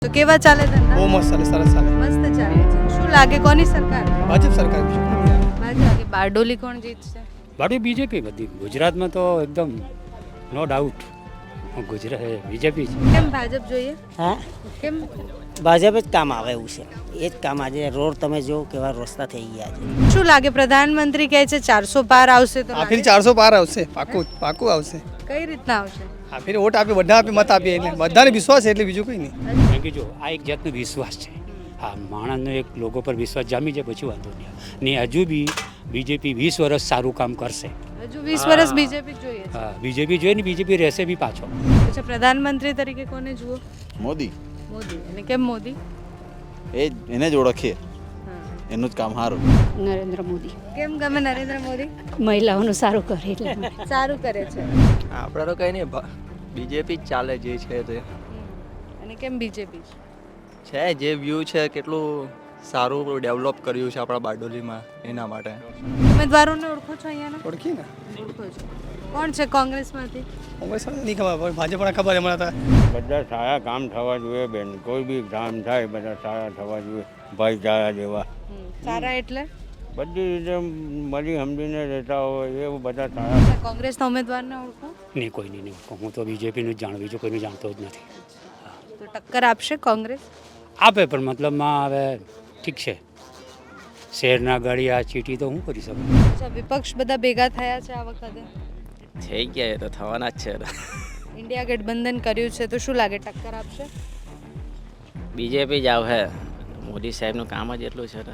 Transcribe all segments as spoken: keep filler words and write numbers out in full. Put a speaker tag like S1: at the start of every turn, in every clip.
S1: તો કેવા ચાલે ધંધા?
S2: બહુ મસ્ત ચાલે, સરસ ચાલે.
S1: મસ્ત ચાલે છે. શું લાગે કોની સરકાર?
S2: ભાજપ સરકાર.
S1: ભાજપ લાગે. બારડોલી કોણ જીતશે?
S3: બાકી બીજેપી બધી ગુજરાતમાં તો એકદમ નો ડાઉટ ગુજરાત બીજેપી છે.
S1: કેમ ભાજપ જોઈએ?
S4: હા,
S1: કેમ?
S4: ભાજપ જ કામ આવે એવું છે. એ જ કામ આજે રોડ તમે જો કેવા રસ્તા થઈ ગયા છે.
S1: શું લાગે પ્રધાનમંત્રી કહે છે ચારસો પાર આવશે તો
S2: આ ફેર
S1: લાગે?
S2: ચારસો પાર આવશે, પાકું પાકું આવશે.
S1: કઈ રીતના આવશે?
S2: આ ફેર વોટ આપે, બધા આપે, મત આપીએ એટલે બધાને વિશ્વાસ છે એટલે બીજું કંઈ નહીં.
S3: કારણ કે જો આ એક જાતનો વિશ્વાસ છે. હા, માણસનો એક લોકો પર વિશ્વાસ જામી જાય પછી વાંધો નહીં. ને હજુ બી બીજેપી વીસ વર્ષ સારું કામ કરશે.
S1: હજુ વીસ વર્ષ બીજેપી જોઈએ છે.
S3: હા, બીજેપી જોઈએ ને બીજેપી રહેશે બી પાછો.
S1: અચ્છા, પ્રધાનમંત્રી તરીકે કોને જુઓ?
S5: મોદી
S1: મોદી. અને કેમ મોદી?
S5: એ જ એને જ ઓળખીએ,
S1: હા.
S5: એનું જ કામ સારું.
S6: નરેન્દ્ર મોદી
S1: કેમ ગમે નરેન્દ્ર મોદી?
S6: મહિલાઓનું સારું કરે એટલે
S1: સારું કરે છે.
S7: આપણે તો કંઈ નહીં, બીજેપી જ ચાલે જે છે તે
S1: અને કેમ બીજેપી?
S7: છે જે વ્યૂ છે કેટલું સારું ડેવલપ કર્યું છે આપણા બારડોલીમાં, એના માટે.
S1: ઉમેદવારોને ઓળખો છો અહીંયાના?
S2: ઓળખી ને
S1: ઓળખો છો. કોણ છે કોંગ્રેસમાંથી?
S2: કોંગ્રેસ નહીં ખબર, પણ ભાજપને ખબર હમણાં હતા.
S8: બધા સારા કામ થવા જોઈએ બેન, કોઈ બી કામ થાય બધા સારા થવા જોઈએ, ભાઈચારા જેવા
S1: હમ. સારા એટલે?
S8: બધી રીતે મળી સમજીને રહેતા હોય એવું બધા સારા.
S1: અચ્છા, કોંગ્રેસના ઉમેદવારને ઓળખો?
S3: નહીં કોઈ નહીં ઓળખો. હું તો બીજેપીનું જ જાણું, બીજું કોઈનું જાણતો જ નથી.
S1: તો ટક્કર આપશે કોંગ્રેસ?
S3: આપે પણ મતલબમાં હવે ઠીક છે, શહેરના ગાડી આ ચીટી તો હું કરી શકું.
S1: અચ્છા, વિપક્ષ બધા ભેગા થયા છે આ વખતે?
S7: થઈ ગયા એ તો થવાના જ છે.
S1: ઇન્ડિયા ગઠબંધન કર્યું છે તો શું લાગે ટક્કર આપશે?
S9: બીજેપી જ આવે. મોદી સાહેબનું કામ જ એટલું છે ને.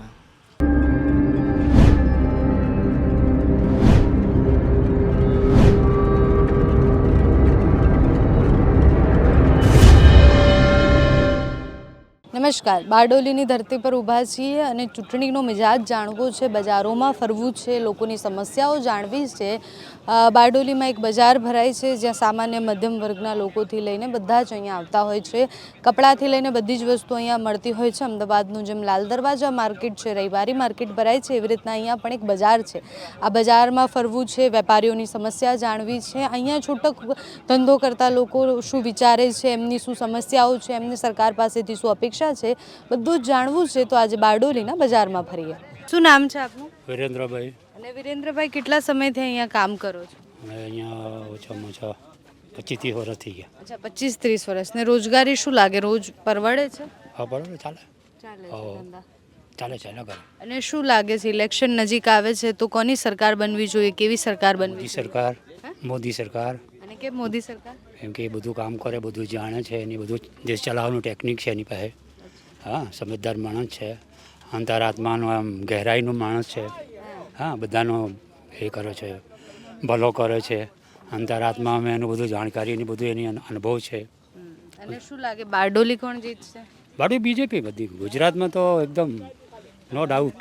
S1: નમસ્કાર, બારડોલીની ધરતી પર ઊભા છીએ અને ચૂંટણીનો મિજાજ જાણવો છે, બજારોમાં ફરવું છે, લોકોની સમસ્યાઓ જાણવી છે. બારડોલીમાં એક બજાર ભરાય છે જ્યાં સામાન્ય મધ્યમ વર્ગના લોકોથી લઈને બધા જ અહીંયા આવતા હોય છે. કપડાથી લઈને બધી જ વસ્તુ અહીંયા મળતી હોય છે. અમદાવાદનું જેમ લાલ દરવાજા માર્કેટ છે, રવિવારી માર્કેટ ભરાય છે, એવી રીતના અહીંયા પણ એક બજાર છે. આ બજારમાં ફરવું છે, વેપારીઓની સમસ્યા જાણવી છે, અહીંયા છૂટક ધંધો કરતા લોકો શું વિચારે છે, એમની શું સમસ્યાઓ છે, એમને સરકાર પાસેથી શું અપેક્ષા છે, બધું જ જાણવું છે. તો આજે બારડોલીના બજારમાં ફરીએ. શું નામ છે આપનું?
S3: વિરેન્દ્રભાઈ.
S1: અને વિરેન્દ્રભાઈ કેટલા સમયથી અહીંયા કામ કરો છો?
S3: અમે અહીંયા ઓછામાં ઓછા પચીસ ત્રીસ વર્ષ થઈ ગયા.
S1: અચ્છા, પચીસ ત્રીસ વર્ષ. ને રોજગારી શું લાગે, રોજ પરવડે છે?
S3: હા, બરાબર ચાલે
S1: ચાલે છે
S3: હા.
S1: ધંધા.
S3: ચાલે ચાલે કરે.
S1: અને શું લાગે છે ઇલેક્શન નજીક આવે છે તો કોની સરકાર બનવી જોઈએ, કેવી સરકાર બનવી
S3: મોદી
S1: જોઈએ?
S3: સરકાર, મોદી સરકાર.
S1: અને કેમ મોદી સરકાર?
S3: કેમ કે એ બધું કામ કરે, બધું જાણે છે, એની બધું દેશ ચલાવવાનું ટેકનિક છે એની પાસે. હા, સમજદાર માણસ છે, અંતરાત્માનો આમ ગહેરાઈનો માણસ છે. હા, બધાનો એ કરે છે, ભલો કરે છે, અંતરાત્મામાં એનું બધું જાણકારી એની બધું એની અનુભવ છે.
S1: અને શું લાગે બારડોલી કોણ જીતશે?
S3: બાકી બીજેપી બધી ગુજરાતમાં તો એકદમ નો ડાઉટ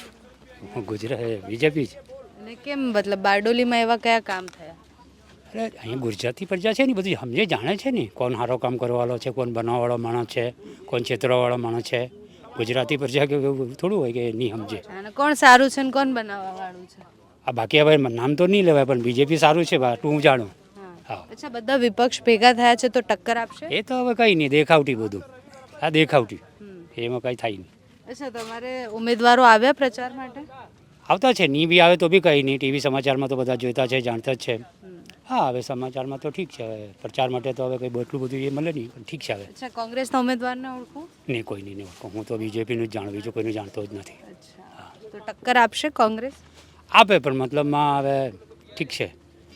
S3: ગુજરાત બીજેપી જ.
S1: અને કેમ, મતલબ બારડોલીમાં એવા કયા કામ થયા?
S3: અરે અહીં ગુજરાતી પ્રજા છે ને બધી સમજે જાણે છે ને કોણ સારો કામ કરવાવાળો છે, કોણ બનાવવાવાળો માણસ છે, કોણ છેતરવાવાળો માણસ છે. ગુજરાતી પ્રજા કે થોડું હોય કે નહીં સમજે.
S1: અને કોણ સારું છે ને કોણ બનાવવા વાળું છે?
S3: આ બાકી હવે નામ તો નહીં લેવાય પણ બીજેપી સારું છે બાટલું હું જાણું. હા.
S1: અચ્છા, બધા વિપક્ષ ભેગા થયા છે તો ટક્કર આપશે?
S3: એ તો હવે કંઈ નહીં, દેખાવટી બધું. આ દેખાવટી, એમાં કંઈ થાય નહીં.
S1: અચ્છા, તમારે ઉમેદવારો આવ્યા પ્રચાર માટે?
S3: આવતા છે, નહીં બી આવે તો બી કંઈ નહીં. ટીવી સમાચારમાં તો બધા જોતા છે, જાણતા જ છે. હા, હવે સમાચારમાં તો ઠીક છે, હવે પ્રચાર માટે તો હવે કંઈ એટલું બધું એ મળે નહીં પણ ઠીક છે. હવે
S1: અચ્છા, કોંગ્રેસના ઉમેદવારને ઓળખો?
S3: નહીં કોઈ નહીં નહીં ઓળખો. હું તો બીજેપીનું જ જાણું, બીજું કોઈનું જાણતો જ નથી.
S1: અચ્છા, તો ટક્કર આપશે કોંગ્રેસ?
S3: આપે પણ મતલબમાં હવે ઠીક છે,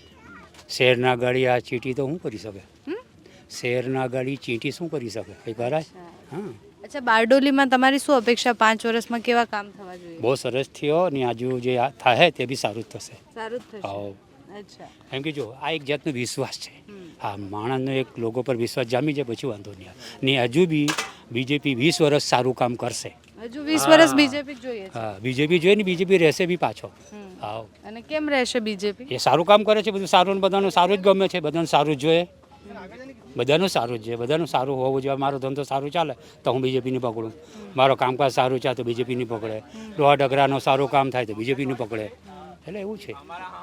S3: શહેરના ગાડી આ ચીટી તો શું કરી શકે? શહેરના ગાડી ચીટી શું કરી શકે? કંઈ કરાય? હા.
S1: અચ્છા, બારડોલીમાં તમારી શું અપેક્ષા, પાંચ વર્ષમાં કેવા કામ થવા જોઈએ?
S3: બહુ સરસ થયો ને આજુ જે આ થાય તે બી સારું જ થશે.
S1: સારું જ થશે.
S3: આવો.
S1: અચ્છા.
S3: એમ કે જો આ એક જાતનો વિશ્વાસ છે. હા, માણસનો એક લોકો પર વિશ્વાસ જામી જાય પછી વાંધો નહીં. ને હજુ બી બીજેપી વીસ વર્ષ સારું કામ કરશે.
S1: હજુ વીસ વર્ષ બીજેપી જોઈએ છે?
S3: હા, બીજેપી જોઈએ ને બીજેપી રહેશે બી પાછો. હા.
S1: અને કેમ રહેશે બીજેપી?
S3: એ સારું કામ કરે છે, બધું સારું ને બધાનું સારું જ ગમે છે, બધાનું સારું જ જોઈએ, બધાનું સારું જ જોઈએ, બધાનું સારું હોવું જોઈએ. મારો ધંધો સારું ચાલે તો હું બીજેપીને પકડું, મારો કામકાજ સારું ચાલે તો બીજેપીને પકડે, લોહા ડગરાનું સારું કામ થાય તો બીજેપીને પકડે. એટલે એવું છે.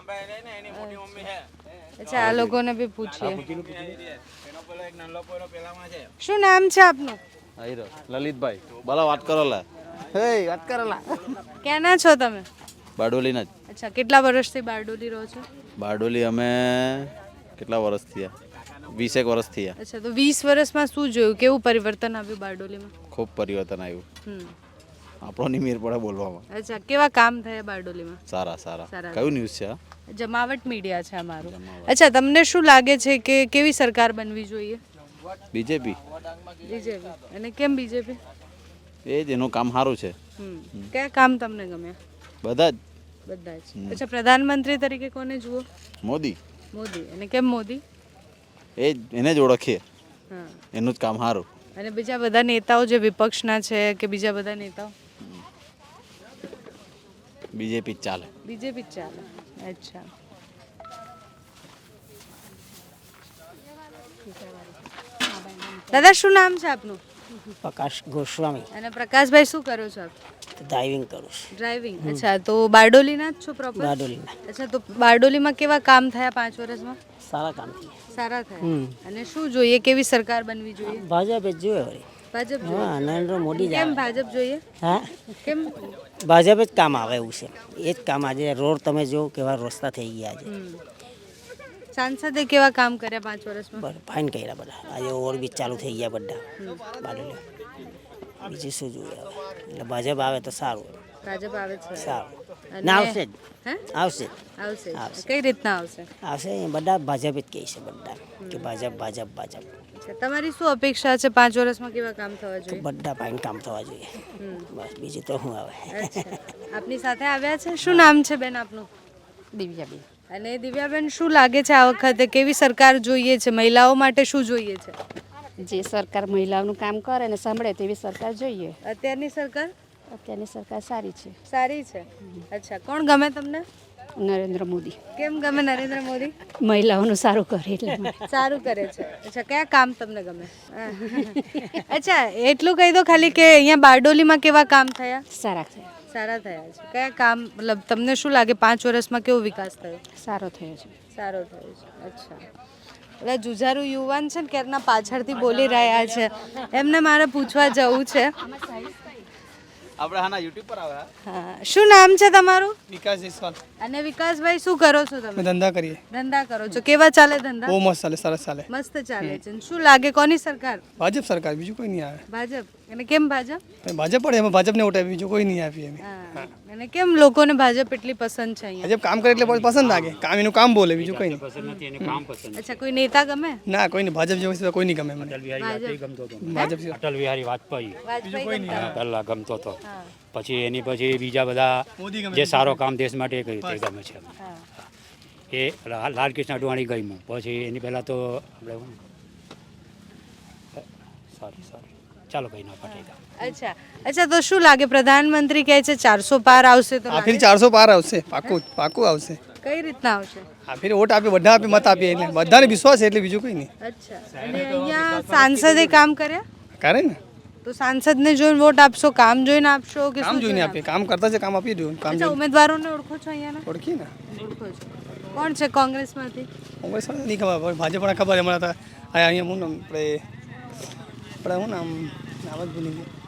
S1: અચ્છા, આ લોકોને બી પૂછીએ. શું નામ છે આપનું?
S5: આઈ રહ્યો લલિતભાઈ બોલા વાત કરો લા હે વાત કરો લા
S1: ક્યાંના છો તમે?
S5: બારડોલીના જ
S1: અચ્છા, કેટલા વર્ષથી બારડોલી રહો છો?
S5: બારડોલી અમે કેટલા વર્ષ થયા વીસેક વર્ષ થયા
S1: અચ્છા, તો વીસ વર્ષમાં શું જોયું, કેવું પરિવર્તન આવ્યું બારડોલીમાં?
S5: ખૂબ પરિવર્તન આવ્યું
S1: હમ
S5: આપણો ની મેર પડે બોલવામાં
S1: અચ્છા, કેવા કામ થયા બારડોલીમાં?
S5: સારા સારા
S1: સારા.
S5: કયું ન્યૂઝ છે આ?
S1: જમાવટ મીડિયા છે અમારું. અચ્છા, તમને શું લાગે છે કે કેવી સરકાર બનવી જોઈએ?
S5: BJP
S1: BJP. અને કેમ બીજેપી?
S5: એ જ એનું કામ સારું છે
S1: હમ કયા કામ તમને ગમે?
S5: બધા જ
S1: બધા જ. અચ્છા, પ્રધાનમંત્રી તરીકે કોને જુઓ?
S5: મોદી
S1: મોદી. અને કેમ મોદી?
S5: એ જ એને જ ઓળખીએ
S1: હા.
S5: એનું જ કામ સારું
S1: અને બીજા બધા નેતાઓ જે વિપક્ષના છે કે બીજા બધા નેતાઓ?
S5: બીજેપી જ ચાલે
S1: બીજેપી જ ચાલે. અચ્છા. દાદા, શું નામ છે આપનું?
S4: પ્રકાશ ગોસ્વામી
S1: અને પ્રકાશભાઈ, શું કરો છો આપ?
S4: ડ્રાઇવિંગ કરું છું
S1: ડ્રાઇવિંગ. અચ્છા, તો બારડોલીના જ છો પ્રોપર?
S4: બારડોલીના.
S1: અચ્છા, તો બારડોલીમાં કેવા કામ થયા પાંચ વર્ષમાં?
S4: સારા કામ થયા
S1: સારા થયા. અને શું જોઈએ, કેવી સરકાર બનવી જોઈએ?
S4: ભાજપ જ જોઈએ વળી
S1: ભાજપ જોઈએ.
S4: હા નરેન્દ્ર મોદી જ
S1: કેમ
S4: આવે.
S1: ભાજપ જોઈએ?
S4: હા
S1: કેમ?
S4: ભાજપ જ કામ આવે એવું છે એ જ કામ આજે રોડ તમે જો કેવા રસ્તા થઈ ગયા છે
S1: હમ. સાંસદે કેવા કામ કર્યા પાંચ વર્ષમાં?
S4: બરાબર ફાઇન કર્યા બધા આજે ઓવરબ્રિજ ચાલુ થઈ ગયા બધા બારડોલી બીજું શું જોઈએ હવે એટલે ભાજપ આવે તો સારું
S1: ભાજપ આવે છે.
S4: સારું
S1: અને-
S4: ના આવશે જ
S1: હે?
S4: આવશે જ
S1: આવશે.
S4: આવશે.
S1: કઈ રીતના આવશે?
S4: આવશે એ બધા ભાજપ જ કહે છે બધા કે ભાજપ ભાજપ ભાજપ
S1: અચ્છા, તમારી શું અપેક્ષા છે પાંચ વર્ષમાં કેવા કામ થવા
S4: તો
S1: જોઈએ?
S4: બધા ફાઇન કામ થવા જોઈએ બસ બીજું તો શું આવે
S1: અચ્છા, આપની સાથે આવ્યા છે. શું નામ છે બેન આપનું?
S6: દિવ્યાબેન.
S1: અને દિવ્યાબેન, શું લાગે છે આ વખતે કેવી સરકાર જોઈએ છે? મહિલાઓ માટે શું જોઈએ છે
S6: જે સરકાર મહિલાઓનું કામ કરે ને સાંભળે તેવી સરકાર જોઈએ.
S1: અત્યારની સરકાર?
S6: અત્યારની સરકાર સારી છે.
S1: સારી છે. અચ્છા, કોણ ગમે તમને?
S6: નરેન્દ્ર મોદી
S1: કેમ ગમે નરેન્દ્ર મોદી?
S6: મહિલાઓનું સારું કરે એટલે માટે.
S1: સારું કરે છે. અચ્છા, કયા કામ તમને ગમે? અચ્છા, એટલું કહી દો ખાલી કે અહીંયા બારડોલીમાં કેવા કામ થયા?
S6: સારા છે.
S1: સારા થયા છે. કયા કામ, મતલબ તમને શું લાગે પાંચ વર્ષમાં કેવો વિકાસ થયો?
S6: સારો થયો છે.
S1: સારો થયો છે. અચ્છા, એટલે જુજારુ યુવાન છે ને ક્યારના પાછળથી બોલી રહ્યા છે, એમને મારે પૂછવા જવું છે.
S5: આપણે હાના યુટ્યુબ પર આવે
S1: હા, શું નામ છે તમારું?
S2: વિકાસ જયસ્વાલ.
S1: અને વિકાસભાઈ, શું કરો છો
S2: અમે
S1: તમે?
S2: ધંધા કરીએ
S1: ધંધા કરો છો. કેવા ચાલે ધંધા?
S2: બહુ મસ્ત ચાલે સરસ ચાલે
S1: મસ્ત ચાલે છે. અને શું લાગે કોની સરકાર?
S2: ભાજપ સરકાર, બીજું કોઈ નહીં આવે.
S1: ભાજપ. અને કેમ ભાજપ?
S2: તો ભાજપ પડે એમાં ભાજપને વોટ આપીએ, બીજું કોઈ નહીં આપીએ અમે.
S1: હા. અને કેમ લોકોને ભાજપ એટલી પસંદ છે અહીંયા?
S2: ભાજપ કામ કરે એટલે બહુ પસંદ લાગે, કામ એનું કામ બોલે, બીજું કોઈ નહીં.
S3: પસંદ નથી એને કામ પસંદ
S1: અચ્છા, કોઈ નેતા ગમે?
S2: ના, કોઈ નહીં. ભાજપ જેવું છે કોઈ નહીં ગમે મને.
S3: અટલ બિહારી વાજપેયી ગમતો હતો
S2: ભાજપ સિવાય.
S3: અટલ બિહારી વાજપેયી
S1: વાજપેયી ગમતા?
S3: પહેલા ગમતો હતો
S1: હા.
S3: પછી એની પછી બીજા બધા
S2: મોદી ગમે.
S3: જે સારો કામ દેશ માટે કર્યું તે ગમે છે
S1: હા.
S3: એ લા- લાલકૃષ્ણ અડવાણી ગમ્યું પછી એની પહેલાં તો આપણે શું? સોરી સોરી ચાલો કંઈ ના પટેલ
S1: અચ્છા અચ્છા, તો શું લાગે પ્રધાનમંત્રી કહે છે ચારસો પાર આવશે તો
S2: આ ફેર
S1: લાગે?
S2: ચારસો પાર આવશે, પાકું પાકું આવશે.
S1: કઈ રીતના આવશે?
S2: આ ફેર વોટ આપીએ, બધા આપીએ, મત આપીએ એટલે બધાને વિશ્વાસ છે એટલે બીજું કોઈ નહીં.
S1: અચ્છા, અને અહીંયા સાંસદે કામ કર્યા?
S2: કરે ને,
S1: તો સાંસદને જોઈને વોટ આપશો, કામ જોઈને આપશો કે
S2: કામ
S1: શું
S2: જોઈને આપીએ, કામ કરતા છે કામ આપીએ જોઈએ, કામ
S1: અચ્છા,
S2: જોઈને
S1: ઉમેદવારોને ઓળખો છો અહીંયાના?
S2: ઓળખીએ ને.
S1: ઓળખો છો. કોણ છે કોંગ્રેસમાંથી?
S2: કોંગ્રેસ વાળા નહીં ખબર, ભાજપ પણ ખબર હમણાં તો આ અહીંયા હું નામ આપણે આપણે શું નામ નામ જ ભૂલી ગયા.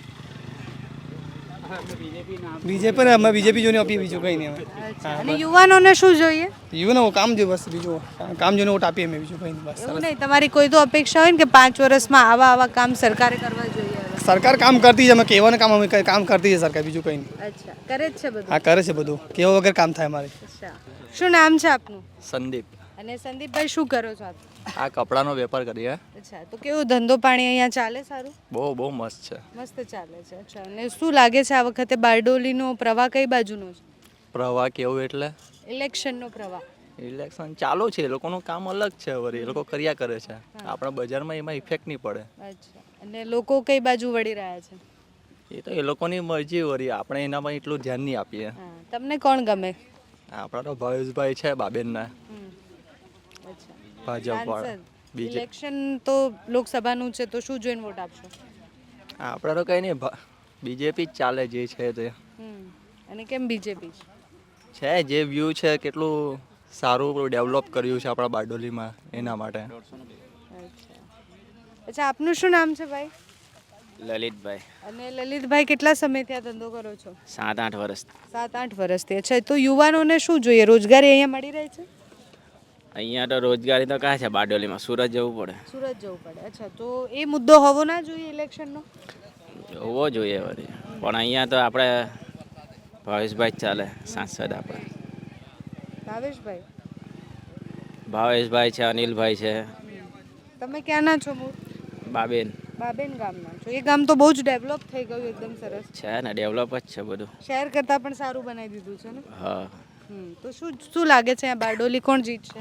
S2: બીજેપી અમે બીજેપી જોઈને આપીએ, બીજું કંઈ નહીં અમે.
S1: અચ્છા, અને યુવાનોને શું જોઈએ?
S2: યુવાનો કામ જોઈએ બસ, બીજું કામ જોઈને વોટ આપીએ અમે, બીજું કંઈ નહીં બસ.
S1: એવું નહીં, તમારી કોઈ તો અપેક્ષા હોય ને કે પાંચ વર્ષમાં આવા આવા કામ સરકારે કરવા જોઈએ હવે.
S2: સરકાર કામ કરતી છે, અમે કહેવાનું કામ અમે કામ કરતી છે સરકાર, બીજું કંઈ નહીં.
S1: અચ્છા, કરે જ છે બધું?
S2: હા, કરે છે બધું, કેવા વગર કામ થાય અમારે.
S1: અચ્છા, શું નામ છે આપનું?
S7: સંદીપ.
S1: અને સંદીપભાઈ, શું કરો છો આપ?
S7: આ કપડાનો વેપાર કરીએ.
S1: અચ્છા, તો કેવું ધંધો પાણી અહીંયા ચાલે સારું?
S7: બહુ બહુ મસ્ત છે.
S1: મસ્ત ચાલે છે. અચ્છા, અને શું લાગે છે આ વખતે બારડોલીનો પ્રવાહ કઈ બાજુનો છે?
S7: પ્રવાહ કેવું એટલે
S1: ઇલેક્શનનો પ્રવાહ.
S7: ઇલેક્શન ચાલુ છે, એ લોકોનું કામ અલગ છે, વળી એ લોકો કર્યા કરે છે. આપણા બજારમાં એમાં ઇફેક્ટ નહીં પડે.
S1: અચ્છા, અને લોકો કઈ બાજુ વળી રહ્યા છે?
S7: એ તો એ લોકોની મરજી, વળી આપણે એનામાં એટલું ધ્યાન નહીં આપીએ.
S1: હા, તમને કોણ ગમે?
S7: આપણા તો ભાવેશભાઈ છે બાબેનના,
S1: હમ. અચ્છા,
S7: ભાજપ વાળા.
S1: સાંસદ.
S7: બીજે
S1: ઇલેક્શન તો લોકસભાનું છે, તો શું જોઈને વોટ આપશો?
S7: આપણે તો કંઈ નહીં, બીજેપી જ ચાલે જે છે તે
S1: હમ. અને કેમ બીજેપી?
S7: છે. જે વ્યૂ છે કેટલું સારું ડેવલપ કર્યું છે આપણા બારડોલીમાં, એના માટે.
S1: અચ્છા અચ્છા, આપનું શું નામ છે ભાઈ?
S9: લલિતભાઈ
S1: અને લલિતભાઈ કેટલા સમયથી આ ધંધો કરો છો?
S9: સાત આઠ વર્ષ
S1: સાત આઠ વર્ષથી. અચ્છા, તો યુવાનોને શું જોઈએ? રોજગારી અહીંયા મળી રહી છે?
S9: અહીંયા તો રોજગારી તો કાં છે બારડોલીમાં, સુરત જવું પડે.
S1: સુરત જવું પડે. અચ્છા, તો એ મુદ્દો હોવો ના જોઈએ ઇલેક્શનનો?
S9: હોવો જોઈએ વળી, પણ અહીંયા તો આપણે ભાવેશભાઈ જ ચાલે સાંસદ. આપણે
S1: ભાવેશભાઈ
S9: ભાવેશભાઈ છે, અનિલભાઈ છે,
S1: તમે ક્યાંના છો? મૂળ
S9: બાબેન
S1: બાબેન ગામના છો. એ ગામ તો બહુ જ ડેવલપ થઈ ગયું, એકદમ સરસ
S9: છે ને, ડેવલપ જ છે બધું.
S1: શહેર કરતાં પણ સારું બનાવી દીધું છે ને?
S9: હા,
S1: હમ તો શું શું લાગે છે આ બારડોલી કોણ જીતશે?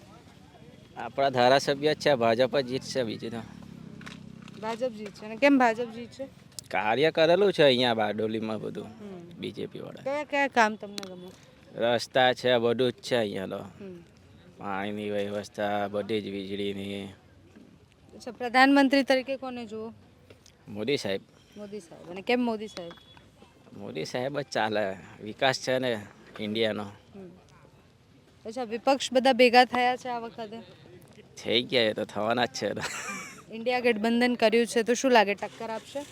S9: આપણા ધારાસભ્ય જ છે, ભાજપ જ જીતશે. બીજું તો
S1: ભાજપ જીતશે. અને કેમ ભાજપ જીતશે?
S9: કાર્ય કરેલું છે અહીંયા બારડોલીમાં બધું બીજેપી વાળા.
S1: કયા કયા કામ તમને ગમે?
S9: રસ્તા છે, બધું જ છે અહીંયા તો.
S1: હમ.
S9: પાણીની વ્યવસ્થા બધી જ, વીજળીની.
S1: અચ્છા, પ્રધાનમંત્રી તરીકે કોને જુઓ?
S9: મોદી સાહેબ.
S1: મોદી સાહેબ. અને કેમ મોદી સાહેબ?
S9: મોદી સાહેબ જ ચાલે, વિકાસ છે ને ઇન્ડિયાનો.
S1: અચ્છા, વિપક્ષ બધા ભેગા થયા છે આ વખતે?
S9: થઈ ગયા, એ તો થવાના જ છે.
S1: ઇન્ડિયા ગઠબંધન કર્યું છે, તો શું લાગે ટક્કર આપશે?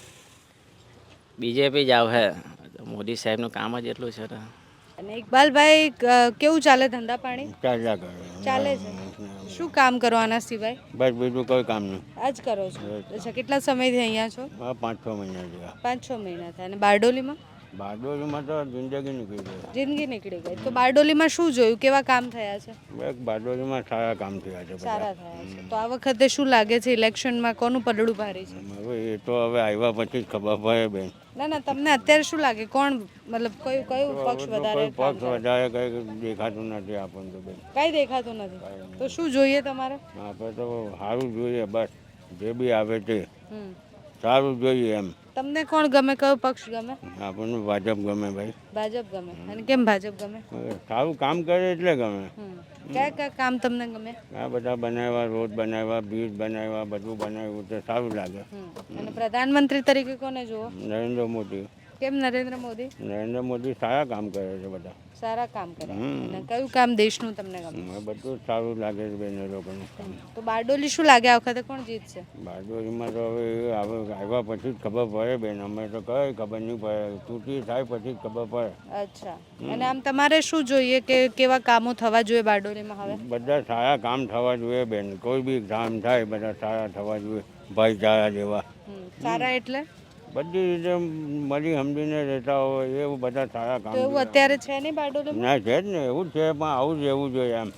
S9: બીજેપી જ આવે. મોદી સાહેબનું કામ જ એટલું છે.
S1: અને ઇકબાલભાઈ, ક- કેવું ચાલે ધંધા પાણી?
S8: ચાલ્યા કરે.
S1: ચાલે છે. શું કામ કરો આના સિવાય?
S8: બસ બીજું કોઈ કામ નહીં.
S1: આ જ કરો છો? અચ્છા, કેટલા સમયથી અહીંયા છો?
S8: આ પાંચ છ મહિના જેવા.
S1: પાંચ છ મહિના થાય. અને બારડોલીમાં
S8: બારડોલીમાં તો જિંદગી નીકળી ગઈ.
S1: જિંદગી નીકળી ગઈ. તો બારડોલીમાં શું જોયું? કેવા કામ થયા છે?
S8: બસ બારડોલીમાં સારા કામ થયા છે બધા.
S1: સારા થયા છે. તો આ વખતે શું લાગે છે ઇલેક્શનમાં કોનું પલડું ભારી છે?
S8: હવે એ તો હવે આવ્યા પછી જ ખબર પડે બેન.
S1: ના ના, તમને અત્યારે શું લાગે કોણ, મતલબ કયું કયું પક્ષ
S8: હવે તો
S1: વધારે
S8: કોઈ
S1: કામ
S8: પક્ષ
S1: કરે?
S8: વધારે કઈ દેખાતું નથી આપણને તો બેન.
S1: કાંઈ દેખાતું નથી. તો શું જોઈએ તમારે?
S8: આપણે તો સારું જોઈએ, બસ જે બી આવે તે
S1: હમ.
S8: સારું જોઈએ એમ.
S1: તમને કોણ ગમે? કયો પક્ષ ગમે?
S8: આપણને ભાજપ ગમે ભાઈ.
S1: ભાજપ ગમે. અને કેમ ભાજપ ગમે?
S8: હવે સારું કામ કરે એટલે ગમે.
S1: હમ. કયા કયા કામ તમને ગમે?
S8: આ બધા બનાવ્યા, રોડ બનાવ્યા, બ્રિજ બનાવ્યા, બધું બનાવ્યું તો સારું લાગે.
S1: હમ. અને પ્રધાનમંત્રી તરીકે કોને જુઓ?
S8: નરેન્દ્ર મોદી.
S1: કેમ નરેન્દ્ર મોદી?
S8: નરેન્દ્ર મોદી સારા કામ કરે છે બધા.
S1: સારા કામ કરે.
S8: હમ.
S1: અને કયું કામ દેશનું તમને ગમે?
S8: હવે બધું જ સારું લાગે છે બેન એ લોકોનું કામ.
S1: તો બારડોલી શું લાગે આ વખતે કોણ જીતશે?
S8: બારડોલીમાં તો હવે એ આવે આવ્યા પછી જ ખબર પડે બેન. અમે તો કઈ ખબર નહીં પડે, તૂટી થાય પછી જ ખબર પડે.
S1: અચ્છા, અને આમ તમારે શું જોઈએ કે કેવા કામો થવા જોઈએ બારડોલીમાં હવે?
S8: બધા સારા કામ થવા જોઈએ બેન. કોઈ બી કામ થાય બધા સારા થવા જોઈએ, ભાઈચારા જેવા.
S1: હમ. સારા એટલે?
S8: બધી રીતે મળી સમજીને રહેતા હોય એવું બધા સારા કામ
S1: તો એવું
S8: જોઈએ.
S1: અત્યારે છે નહીં બારડોલીમાં?
S8: ના છે જ ને, એવું જ છે, પણ આવું જ રહેવું જોઈએ એમ.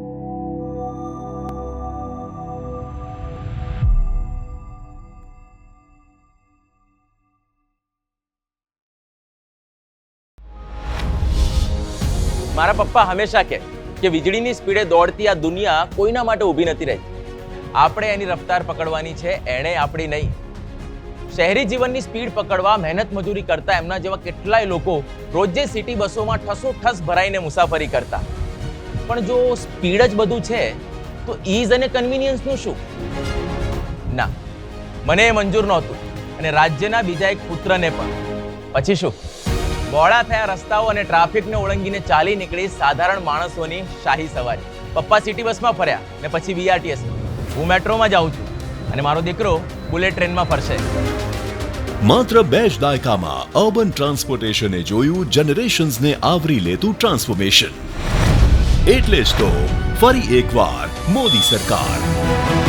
S10: મારા પપ્પા હંમેશા કહે કે વીજળીની સ્પીડે દોડતી આ દુનિયા કોઈના માટે ઊભી નથી રહી. આપણે એની રફતાર પકડવાની છે, એણે આપણી નહીં. શહેરી જીવનની સ્પીડ પકડવા મહેનત મજૂરી કરતા એમના જેવા કેટલાય લોકો રોજે સિટી બસોમાં ઠસોઠસ ભરાઈને મુસાફરી કરતા. પણ જો સ્પીડ જ બધું છે તો ઈઝ અને કન્વિનિયન્સનું શું? ના, મને એ મંજૂર નહોતું, અને રાજ્યના બીજા એક પુત્રને પણ. પછી શું? બોળા થયા રસ્તાઓ અને ટ્રાફિકને ઓળંગીને ચાલી નીકળી સાધારણ માણસોની શાહી સવારી. પપ્પા સિટી બસમાં ફર્યા ને પછી બીઆરટીએસ. હું મેટ્રોમાં જાઉં છું અને મારો દીકરો બુલેટ ટ્રેનમાં ફરશે.
S11: માત્ર બે જ દાયકામાં અર્બન ટ્રાન્સપોર્ટેશને જોયું જનરેશન્સને આવરી લેતું ટ્રાન્સફોર્મેશન. એટલે જ તો ફરી એકવાર મોદી સરકાર.